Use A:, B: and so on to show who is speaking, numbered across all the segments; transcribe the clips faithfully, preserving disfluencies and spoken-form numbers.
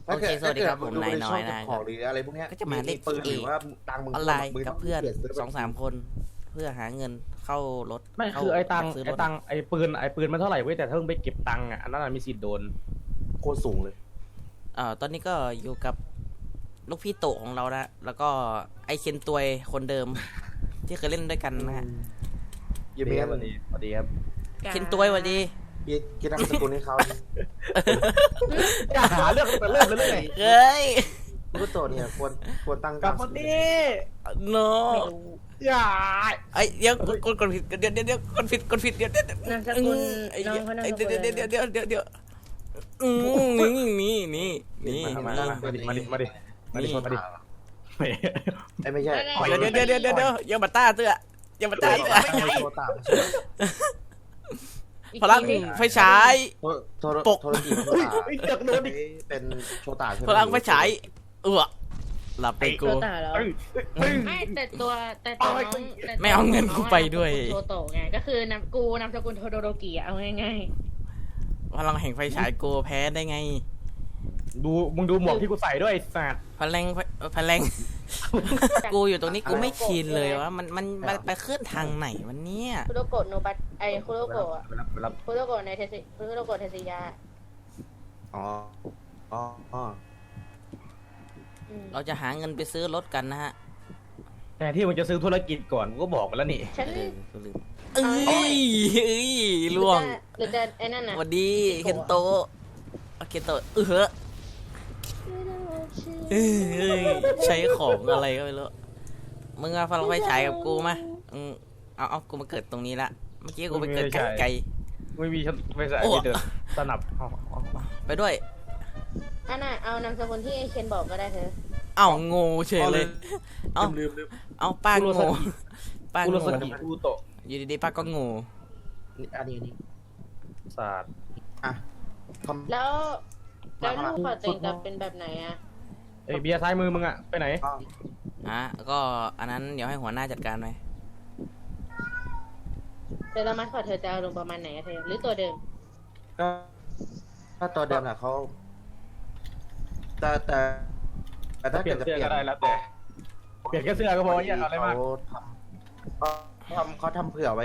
A: โอเคสวัสดีครับผมนายน้อยนะค
B: ข
A: รั
B: อบ งหรืออะไรพวกเนี้ย
A: ก็จะมาเล่น
B: ปืน
A: เก
B: หรือ
A: ม
B: ว่าตังค์มึง
A: ออนไลน์
B: มึ
A: กับเพื่อน
B: ปลี่ยซื้
A: สองสามคน เพื่อหาเงินเข้ารถ
C: ไม่
A: เข้า
C: คือไอ้ตังค์
A: ซื้อร
C: ไอ้
A: ถ
C: ตังค์ไอ้ปืนไอ้ปืนมันเท่าไหร่เว้ยแต่ถ้ามึงไปเก็บตังค์อ่ะอันนั้นนะมีสิทธิ์โดน
B: โคตรสูงเลย
A: เอ่อตอนนี้ก็อยู่กับลูกพี่โตของเรานะแล้วก็ไอเคนตวยคนเดิม ที่เคยเล่นด้วยกันนะฮะ
B: ยี่เม
C: ส
B: ล
C: วัสดีสวัสดีครับ
A: เคนตวยสวัสดี
B: พี่คิดนามสกุลให้เขา
C: อย่าหาเรื่องตั้งแต่เริ่มเลยเลย
A: เฮ้ย
B: ลูกโตเนี่ยควรควรตั้ง
C: กลับมาดิ
A: โน
C: อย่า
A: ไอเดี๋ยวกดกดกดผิดเดี๋ยวเดี๋ยวเดี๋ยวกดผิดกดผิดเดี๋ยวเดี๋ยวน
D: ามสกุล
A: ไอ้
D: น้องเขานามสกุล
A: เดี๋ยวเดี๋ยวเดี๋ยวเดี๋ยวเดี๋ยวเดี๋ยวอืมนี่นี่นี่นี่
C: มาดิมาดิมาดิมาดิมาดิมาดิไม่
B: ไอ้ไม่ใช่
A: เดี๋ยวเดี๋ยวเดี๋ยวเดี๋ยวเดี๋ยวอย่ามาต้าเตื้ออย่ามาต้าเตื้อ
B: ไม่ใช่โทรตาม
A: พลังไฟฉาย
B: โทร
A: ปก
B: โทรจีบโทรตามเป็นโชตาใช่ไหม
A: พลังไฟฉายเออหลับไป
D: โช
A: กู
D: ตาแล้ว
C: เอ้ยเอ้ย
D: ไม่แต่ตัวแต่ตัวน้องแต่ตัว
A: ไม่เอาเงินกูไปด้วย
D: โทโตะไงก็คือนามกูนามสกุลโทโดโรกิอะเอาง่าย
A: พลังแห่งไฟฉายกูแพ้ได้ไง
C: ดูมึงดูหมวกที่กูใส่ด้วยไอ้สัตว์
A: พลังพลังกูอยู่ตรงนี้กูไม่ชินเลยว่ามันมันมันไปเคลื่อนทางไหนวันเนี้ย
D: ๆคุโรโกะโนบัตไอคุโรโกะอะ
C: ไปรับไปรับ
D: คุโรโกะในเทสิคุโรโกะเทสิยา
B: อ๋ออ๋ออ๋อ
D: อืม
A: เราจะหาเงินไปซื้อรถกันนะฮะ
C: แต่ที่มึงจะซื้อธุรกิจก่อนกูก็บอกไปแล้วนี่
D: ฉัน
A: เออกูลืมเอ้ยเอ้ยล่วง
D: หรือจะไอ้นั่น
A: ส
D: น่ะ
A: วัสดีเคนโตะเคนโตะเออเอ้ยใช้ของอะไรก็ไม่รู้มึงเอาพลังไฟฉายกับกูมาอืมเอาเอากูมาเกิดตรงนี้ละเมื่อกี้กูไปเกิดไกลไกล
C: ไม่มีฉันไม่ใส่
A: โอ้
C: ไม่เดินสนับเอาเอา
A: ไปด้วย
D: อันน่ะเอานามสกุลที่ไอเคนบอกก็ได้เธอ
A: เอ้างูเฉยเลยเอ้า
B: ลืมลืม
A: เอาป้างูป้า
C: กู
A: งู
C: รู้สึกดีกูโตะ
A: อยู่ดีๆป้าก็งู
B: อันนี้อันนี้
C: ศาสตร์
B: อ่ะคอม
D: แล้วแล้วลูกขอเต็งจะเป็นแบบไหนอะ
C: ไอ้เบียร์ซ้ายมือมึงอะไปไหน
B: อ๋อ
A: อ่ะก็อันนั้นเดี๋ยวให้หัวหน้าจัดการไป
D: แต่ละมัดขอเธอจะเอาลงประมาณไหนอะเธอหรือตัวเดิม
B: ก็ถ้าตัวเดิมน่ะเขาแต่แต่แต่ถ้า
C: เปลี่
B: เกิ
C: ย
B: ด
C: น
B: จะ
C: เสื้
B: เป
C: อ
B: ลี่ยน
C: ก็ได้แล้วแต่เปลี่ยนแค่เสื้อก็พอเนี่ยเอาอะไรมาก
B: เขาทำเขาทำเขาทำเผื่อไว้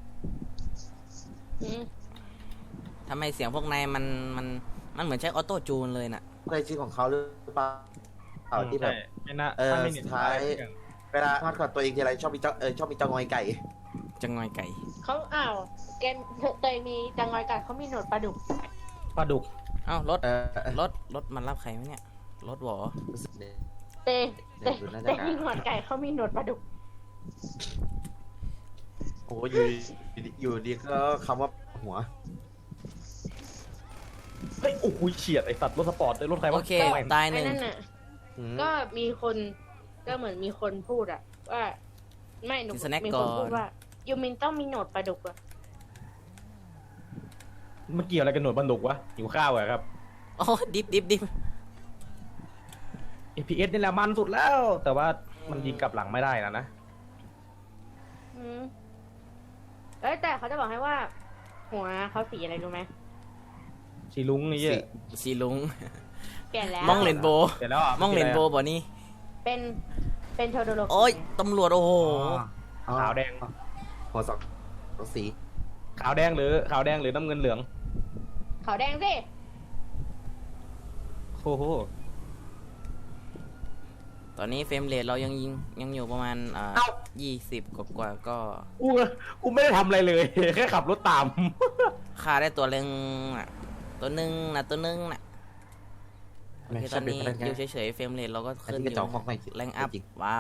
D: อืม
A: ทำไมเสียงพวกนายมันมันมันเหมือนใช้ออโต้จูนเลยน่ะ
B: เคยชื่อของเขาหรือเปล่าเอาที่แบบ
C: ไม่น่า
B: เออ
C: ถ้าไม่เน็ต
B: สุดท้าย เวลาพัดกับตัวเองทีไรชอบมีเจ้าเออชอบมีเจ้างอยไก่
A: จะงอยไก่
D: เขาอ้าวเกมเตยมีจังงอยกัดเขามีหนวดปลาดุก
C: ปลาดุก
A: เอ้ารถ
B: เออ
A: รถรถมันรับใครไหมเนี่ยรถหวอ
B: รู้สึกเนี่ย
D: เตยเตย
B: เดี๋ยวดูน่าจะ
D: เตยมีหนวดไก่เขามีหนวดปลาดุก
B: โอ้อยู่ดีอยู่ดีก็คำว่าหัว
C: เฮ้ยโอ้โหเฉียดไอสัตว์รถสปอร์ตเลยรถใครวะ
A: โอเคตายห
D: ไอ้
A: นึ่ง
D: นั่นน่ะ
B: อืม
D: ก็มีคนก็เหมือนมีคนพูดอะว่าไม่หนูมีคนพูดว่ายูมินต้องมีหนวดปลาดุกอะ
C: มันเกี่ยวอะไรกันหนวดปลาดุกวะหิวข้าวเหรอครับ
A: โอ้ดิบดิบดิบ
C: เอ พี เอส นี่แหละมันสุดแล้ว แต่ว่ามันยิงกลับหลังไม่ได้นะนะ
D: อืมเอ้ยแต่เขาจะบอกให้ว่า หัวเขาสีอะไรรู้ไหม
C: สีลุงนี่เหี้ย
A: สีลุง
D: เปลี่ยนแล้ว
A: มองเลนโบ
C: เสร็จแล้วอ่ะ
A: มองเลนโบบ่นี่
D: เป็นเป็นโทโดโร
A: โอ้ยตำรวจโอ้โห
B: อ๋อ
C: ขาวแดง
B: หัวสองสองสี
C: ขาวแดงหรือขาวแดงหรือน้ำเงินเหลือง
D: ขาวแดงสิ
C: โอ้โห
A: ตอนนี้เฟรมเรทเรายังยิงยังอยู่ประมาณอ่ายี่สิบกว่ากว่าก็
C: กูกูไม่ได้ทำอะไรเลย แค่ขับรถตาม
A: ฆ่าได้ตัวเล็งน่ะตัวหนึ่งน่ะตัวหนึ่งน่ะโอเคตอนนี้อยู่เฉยๆเฟรมเรทเราก็
B: อัน
A: ขึ้น
B: นี้
A: อก
B: ระจอก
A: ยู่
B: ของไม่
A: แรงอัพ
B: จริง
A: ว้าว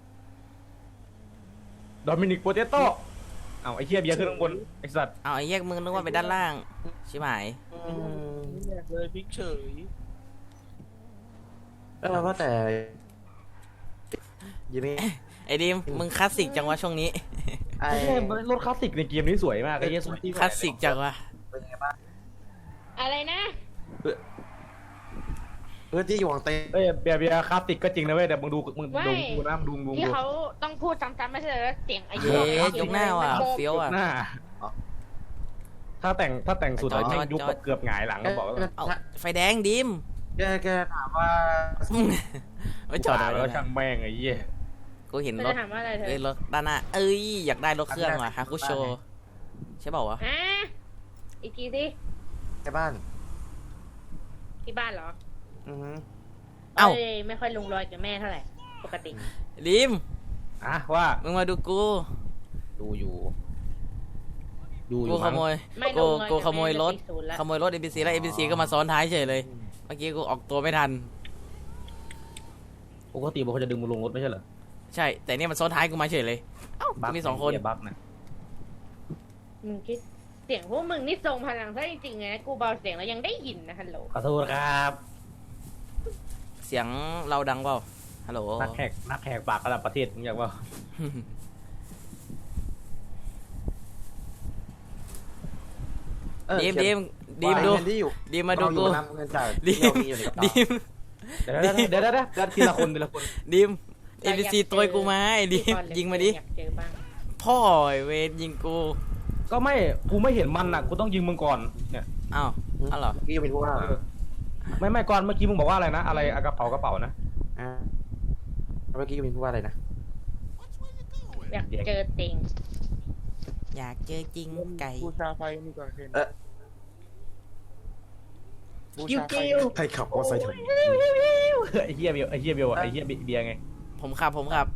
C: โดมินิกโปเตโต้เอาไอ้เหี้ยเบียร์ขึ้นข้างบนไอ้สัตว์
A: เอาไอ้แยกมึงนึกว่าไปด้านล่างใช่ไหม
B: อืม
C: เลยพิกเฉย
B: เออว่าแต่ยังไม่
A: ไอ้ดิมมึงคลาสสิกจังวะช่วงนี้
B: ไอ้
C: ไอ้รถคลาสสิกในเกมนี้สวยมากไอ้เหี้ยสวย
A: คลาสสิกจังวะ
B: เป็นไงบ้าง
D: อะไรนะ
B: เพื่อนที่อยู่ของเต้
C: เอ้ยเบียร์เบียร์คลาสสิกก็จริงนะเว้ยแต่มึงดูมึงดูดูนะดูดู
D: ที่
C: ดู
D: เขาต้องพูดซ้ำๆไม่ใช่เหรอเสียงอายุ
A: เย้ยกหน้าว่ะเฟี้ยวอ่ะ
C: หน้าถ้าแต่งถ้าแต่งสุด
A: จอด
C: แม่ง
A: จอด
C: ยุบ
A: จอด
C: แบบเกือบหงายหลังก็บอกว่า
A: เอาไฟแดงดิม
B: แกแกถามว่า
A: ไม่จอด
C: แล้
A: แล้ว ว
C: ช่างแม่งไอ้เหี้ย
A: กูเห็น
D: เธอ
A: รถ
D: จะถามว่าอะไรเธอ
A: เอ้ยรถด้านหน้าเอ้ยอยากได้รถเครื่องว่ะฮาคุโชใช่เปล่าวะ
D: อ่ะอีกทีสิ
B: ในบ้าน
D: ที่บ้านเหรอ
B: อือฮึ
A: เอ้า
D: ยไม่ค่อยลงรอยกับแม่เท่าไหร่ปกติ
A: ดิม
C: อ่ะว่า
A: มึงมาดูกู
C: ดูอยู่ ดูอ
A: กู
C: ยู่
A: ข
C: มั้ง
A: โมย
D: ไม่ล
A: กู
D: งรอย
A: กู
D: กับ
A: ขโมยรถ
D: แจะติดศูนย์ละ
A: ขโมยรถ เอ็ม บี ซี แล้ว เอ็ม บี ซี ก็มาซ้อนท้ายเฉยเลยเมื่อกี้กูออกตัวไม่ทัน
C: ปกติมันเขาจะดึงมึงลงรถไม่ใช่เหรอ
A: ใช่ แต่เนี่ยมันซ้อนท้ายกูมาเฉยเลยเอ้ากูมีสองคน
C: เหี้ยบั๊กนะ
D: มึงคิดเสียงพวกมึงนี่ทรงพลังซะจริงๆนะกูเบาเสียงแล้วยังได้ยินนะฮัลโหล
C: ขอโทษครับ
A: เสียงเราดังเปล่าฮัลโหล
C: นักแหกนักแหกปากระดับประเทศมึงอยากว่า
B: เออ
A: ดีม
B: เขี
A: ดี
B: ยน
A: มดีม
B: ว่า
A: ดู
B: เงินที่อยู่
A: ดีมมาดูกู
B: เรอยู่บนน้ำเงินจ่าย
A: ดี
B: ที่เรา
A: ม
B: มีอยู่ในกระเป๋า
A: ดีม
C: เดี๋ยวเดี๋ยวเดี๋ยวเดี๋ยวเดี๋ยวทีละคนทีละคน
A: ดีม เอ็ม บี ซี ตัวกูมาไอ้ดีม
D: ก่อนเล
A: ยิงมาดิ
D: อยากเจอบ้าง
A: พ่อไอ้เวรยิงกู
C: ก็ไม่กูไม่เห็นมันน่ะกูต้องยิงมึงก่อนเนี่ย
A: อ้าวอ้าวเหรอ
B: พี่ยังเป็นผู้ว่า
C: เออไม่ไม่ก่อนเมื่อกี้มึงบอกว่าอะไรนะอะไรอะกระเป๋ากระเป๋านะ
B: อ่าเมื่อกี้ยังเป็นผู้ว่าอะไรนะ
D: อยากเจอติง
A: อยากเจอจริงไก่
E: บูชาไฟนี่ก่อนเคน
B: เออ
E: บูชาไฟ
B: ใครขับมอเตอร์ไซค์ถึง
C: ไอ้เหี้ยเบลไอ้เหี้ยเบลอะไอ้เหี้ยเบียร์ไง
A: ผมขับผมขับ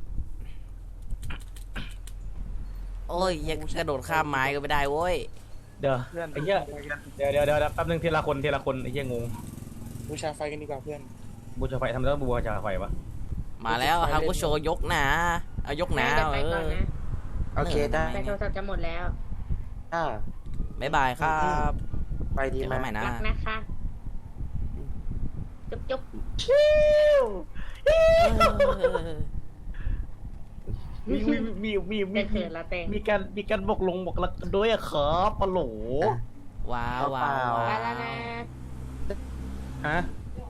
A: โอ้ยยังกระโดดข้ามไม้ก็ไม่ได้โว้ย
C: เดี๋ยว
E: เพื่อน
C: ไอ้เหี้ยเดี๋ยวเดี๋ยวเดี๋ยวแป๊บนึงทีละคนทีละคนไอ้เหี้ยงง
E: บูชาไฟกันดีกว่าเพื่อน
C: บูชาไฟทำไมต้องบูชาไฟวะ
A: มาแล้วฮากุโชยกหนาเอายกหนา
D: เดี๋ยว
A: เอ
D: ไปก่อน
A: อ
D: นะ
B: โอเคได้
D: แต่โทรศัพท์จะหมดแล้ว
B: อ่า
A: บ๊ายบายครับ
B: ไปดี
A: เจอ
B: มา
A: กันใหม่นะ
D: รักนะคะ จุ๊บจุ๊บ
A: เออ
C: มีมีมีมีมี
D: จะเขินละเตง
C: มีการมีการบอกลงบอกรักกันด้วยอะครับปะโหล
A: ว้าวว้าว
D: ไป
A: ว้าว
D: แล้วนะ
C: ฮะ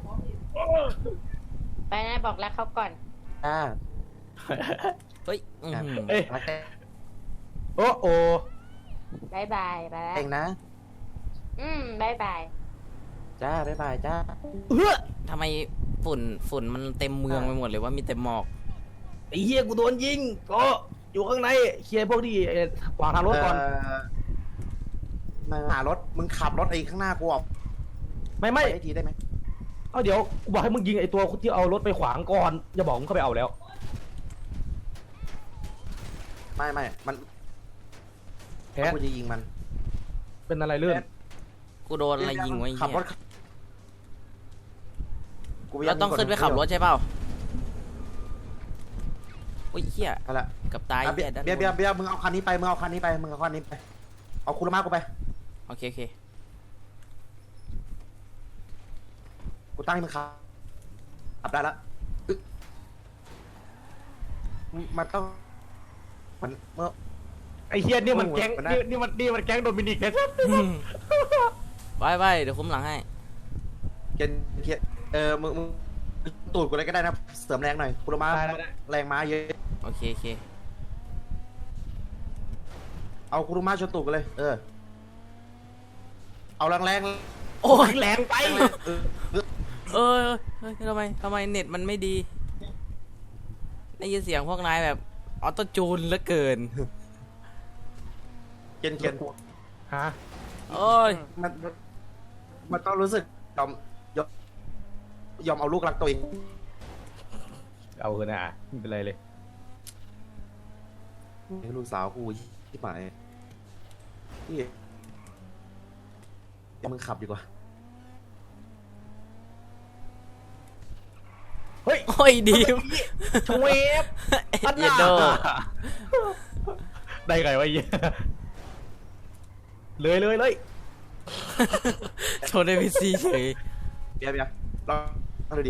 D: ไปนะบอกรักเขาก่อน
B: อ่า
A: เฮ้ยอื้อหือ
C: เอ้ย
B: รักแ
C: โอ้โอ้
D: บายบายไปแล้ว
B: เองนะ
D: อืมบายบาย
B: จ้า บ๊ายบายจ้า
C: เฮ้อ
A: ทำไมฝุ่นฝุ่นมันเต็มเมืองไปหมดเลยว่ามีแต่หมอก
C: ไอ้เหี้ยกูโดนยิงก็อยู่ข้างในเคลียร์พวกที่เอ่อขวางทางรถก่อน
B: เมาหารถ มึงขับรถไอ้ข้างหน้ากูออก
C: ไม่
B: ไป
C: ไม่
B: ให้ทีได้ไหม
C: เอาเดี๋ยวกูบอกให้มึงยิงไอ้ตัวที่เอารถไปขวางก่อนอย่าบอกมึงเข้าไปเอาแล้ว
B: ไม่ไม่มัน
C: แพ้
B: กูจะยิงมัน
C: เป็นอะไรเลื่อน
A: กูโดนอะไรยิงไว้
B: ขับ
A: เหี้
B: ร
A: ย
B: ถกู
A: เราต้องขึ้นไปขับรถใช่เปล่าอุ้ยเหี้ย
B: เอาละ
A: กับตาย
B: อ่ะเบีย
A: เหี้ย
B: ร์
A: ด้าน
B: เบียร์เบียร์เบียร์มึงเอาคันนี้ไป มึงเอาคันนี้ไป มึงเอาคันนี้ไป เอาคุรมากูไป
A: โอเคโอเค
B: กูตั้งให้มึงขับขับได้ละอึ๊ะมันต้อง มันเมื่อ
C: ไอ้เฮียนี่มัน
B: โอ้โห
C: แก๊ง
B: มันได้
C: นี่นี่มันนี่มันแก๊งโดมินิกนะ
A: ไปไปเดี๋ยวคุ้มหลังให้
B: เกียร์เกียร์เออ มึง มึงตูดกูเลยก็ได้นะ เสริมแรงหน่อยคุรมา
C: ได้ได้ได้
B: แรงม้าเยอะ
A: โอเคโอเค
B: เอาคุรมาชนตูดกันเลย เออ เอาแรงแรง
A: โอ้ย
C: แรงไป
B: เออเออ
A: เออเฮ้ยทำไมทำไมเน็ตมันไม่ดีได้ยินเสียงพวกนายแบบออโต้จูนเหลือเกิน
B: เกียร์เกียร์
C: ฮะ
A: โอ้ย
B: มันมันมันต้องรู้สึกยอมยอมยอมเอาลูกรักตัวเอง
C: เอาเถอะนะไม่เป็นไรเลย
B: ให้ลูกสาวกูที่หมายพี่เดี๋ยวมึงขับดีกว่า
C: เฮ้ย
A: โอ้ยดีม
C: ชเวฟ
A: เย็นโด
C: ได้ไงวะไอ้เหี้ยเลยเลยเลย
A: โชว์ในพีซีเฉย
B: เบียร์เบียร์ลองลองดูดิ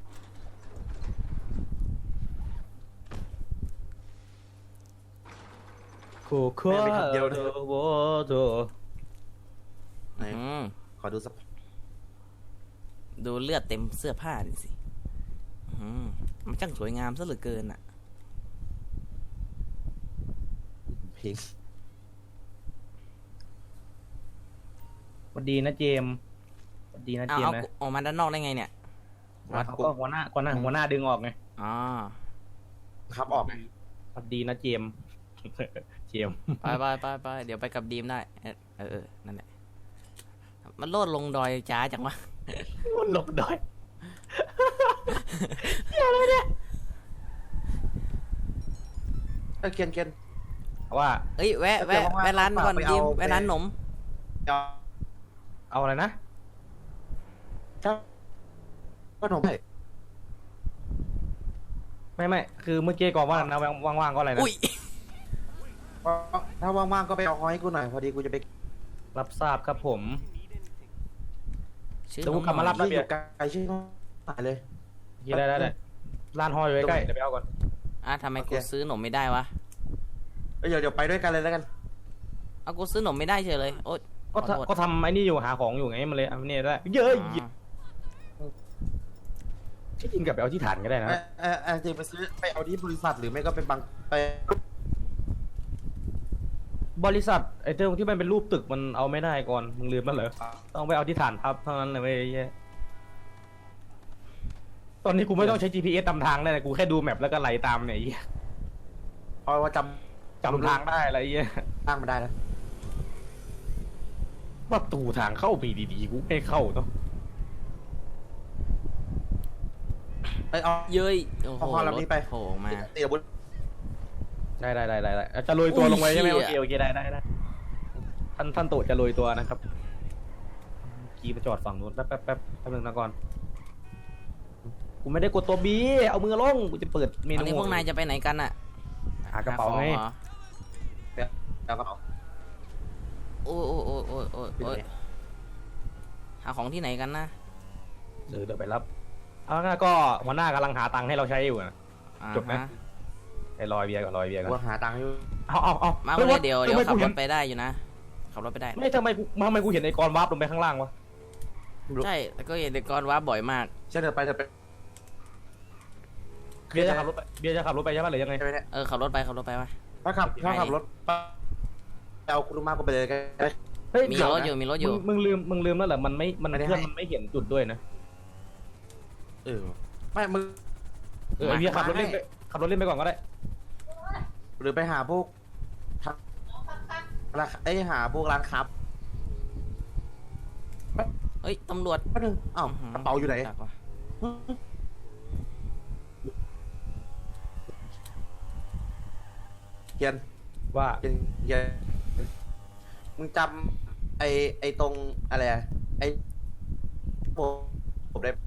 C: โคโค่เดียวเดียวโวโต
B: ไหน
A: อืม
B: ขอดูสัก
A: ดูเลือดเต็มเสื้อผ้านี่สิอืมมันช่างสวยงามซะเหลือเกินอ่ะ
B: เพลง
C: สวัสดีนะเจมส์สวัสดีนะ
A: เอา
C: เจม
A: เอา
C: ส์นะ
A: ออกมาด้านนอกได้ไงเนี่ยวัด
C: เขาก็หัวหน้าหัวหน้าหัวหน้าดึงออกไง
A: อ๋อ
B: ครับออกไง
C: สวัสดีนะเจมส์ เจมส์
A: ไปไปไปไปเดี๋ยวไปกับดีมได้ เออเออเออนั่นแหละ มันโลดลงดอยจ้าจังวะ
C: มันหลบดอย
B: เออเกียนเกียน
C: ว่า
A: เอ้ยแวะแวะ
B: เดี๋ยวว่างๆ
A: แวะร้านก่อน
B: ไปเอา
A: ดีม
B: ไป
A: แวะร้านหนม
B: เดี๋ยว
C: เอาอะไรนะ
B: ถ้าขนมให้
C: ไม่ไม่คือเมื่อกี้ก่อนว่านะว่างๆก็อะไรนะ
A: อุ้ย
B: ถ้าว่างๆก็ไปเอาหอยให้กูหน่อยพอดีกูจะไป
C: รับทราบครับผม
A: ชื่อ
C: เดี๋ยว
A: หน
C: กู
A: ม
C: กลับมารับ
A: หน่อย
B: ที่อยู่ไกลชื่อหายเลย
C: ยี่ได้ได้ได้ร้านหอยอยู่ใกล้ๆเดี๋ยวไปเอาก่อน
A: อ่ะทำไม
B: โอเค
A: กูซื้อหนมไม่ได้วะ
B: เอ้ยเดี๋ยวเดี๋ยวไปด้วยกันเลยแล้วกัน
A: เอากูซื้อหนมไม่ได้เฉยเลย โอ๊ย
C: ก็
A: ขอโทษ
C: ทำก็ทำไอ้นี่อยู่หาของอยู่ไงมันเลยเอาเนี่ยได้เยอะ
A: อ๋
C: หยิบ
A: อ
C: ที่จริงกับไปเอาที่ฐานก็ได้นะ
B: เออเออเออจะไปซื้อไปเอาที่บริษัทหรือไม่ก็เป็นบางไป
C: บริษัทไอ้เจ้าที่มันเป็นรูปตึกมันเอาไม่ได้ก่อนมึงลืมมันเหรอต้องไปเอาที่ฐานทับเท่านั้นเลยเว้ยไอ้เหี้ยตอนนี้กูไม่ต้องใช้ จี พี เอส นำทางได้เลยกูแค่ดูแมปแล้วก็ไหลตามเนี่ยไอ้เหี้ย
B: เพราะว่าจ
C: จำทางได้อะไรไอ้เหี้ย
B: ำตั้งมาได้แล้ว
C: ประตูทางเข้าปีดีๆกูไม่เข้าเนาะ
B: เอ้ยเอา
A: เย้ยโอ้โห
B: เอาพอลำนี้ไป
A: รถโผล่มา
B: เดี๋ยวบุญ
C: ได้ได้ได้ได้ได้จะโรยตัว
A: อุ้ย
C: ลงไปใช่ไหม
A: เหี้
C: โอย เคโอเคได้ได้ได้ท่านท่านโตจะโรยตัวนะครับขี่ไปจอดฝั่งนู้นแป๊บแป๊บแป๊บแป๊บนึงนะก่อนกูไม่ได้กดตัวบีเอามือลงกูจะเปิดเม
A: ตอน
C: นู
A: นี้พวกนายจะไปไหนกันอะ
C: หากระเป๋าไง
A: หของหรอ
B: แล้วก็เอา
A: โอ้ยโอ้ยโอ้ยโอ้ยโอ้ยโอ้ยหาของที่ไหนกันนะ
C: เดี๋ยวเดี๋ยวไปรับเอางั้นก็หัวหน้ากำลังหาตังค์ให้เราใช้อยู่นะ
A: อ่า
C: จบไหม
A: ฮะ
C: ไอ้ลอยเบียร์ก่อนลอยเบียร์ก่อน
B: ว่าหาตังค์อยู่
C: เอาเอาเอา
A: มา
C: ฮ้
A: เลยเดี๋ยวเดี๋ยว
C: ทำไม
A: ขับ
C: กู
A: ร
C: เห็น
A: ถไปได้อยู่นะ ขับรถไปได้
C: ไม่ทำไมกูทำไมกูเห็นไอ้กรวาร์ปลงไปข้างล่างวะ
A: ใช่แล้วก็เห็นเด็กกรว่าบ่อยมาก
B: เชื่อเธอไปเธอไป
C: เบียร์จะขับรถไปเบียร์จะขับรถไปใช่ปะหรือยังไง
B: ใช่ไหมเนี่ย
A: เออขับรถไปขับรถไปวะ
B: ถ้าขับถ้าขับรถไปเอาคุณมาก็ไปเลยกัน
C: เฮ้ย
A: มี
C: เดี๋ว
A: รถ
C: นะ
A: อยู่มีรถอยู่
C: มึงมึงลืมมึงลืมแล้วเหรอมันไม่มัน
B: ไม่ได้
C: เพื่อน
B: ให้
C: มันไม่เห็นจุดด้วยนะ
B: เออไม่มึง
C: เออไอ้เบียร์ขับรถเล่นไปขับรถเล่นไปก่อนก็ได้
B: หรือไปหาพวกทำราคาไอ้ยหาพวกร้านครับ
A: เฮ้ยตำรวจ
B: แป๊บนึงอ้าว
A: หื
B: กระเป๋าอยู่ไหน
A: จักว่ะ
B: เกียน
C: ว่า
B: เกียนเกียนมึงจำไอ้ไอ้ตรงอะไรอะไอ้ผมผมได้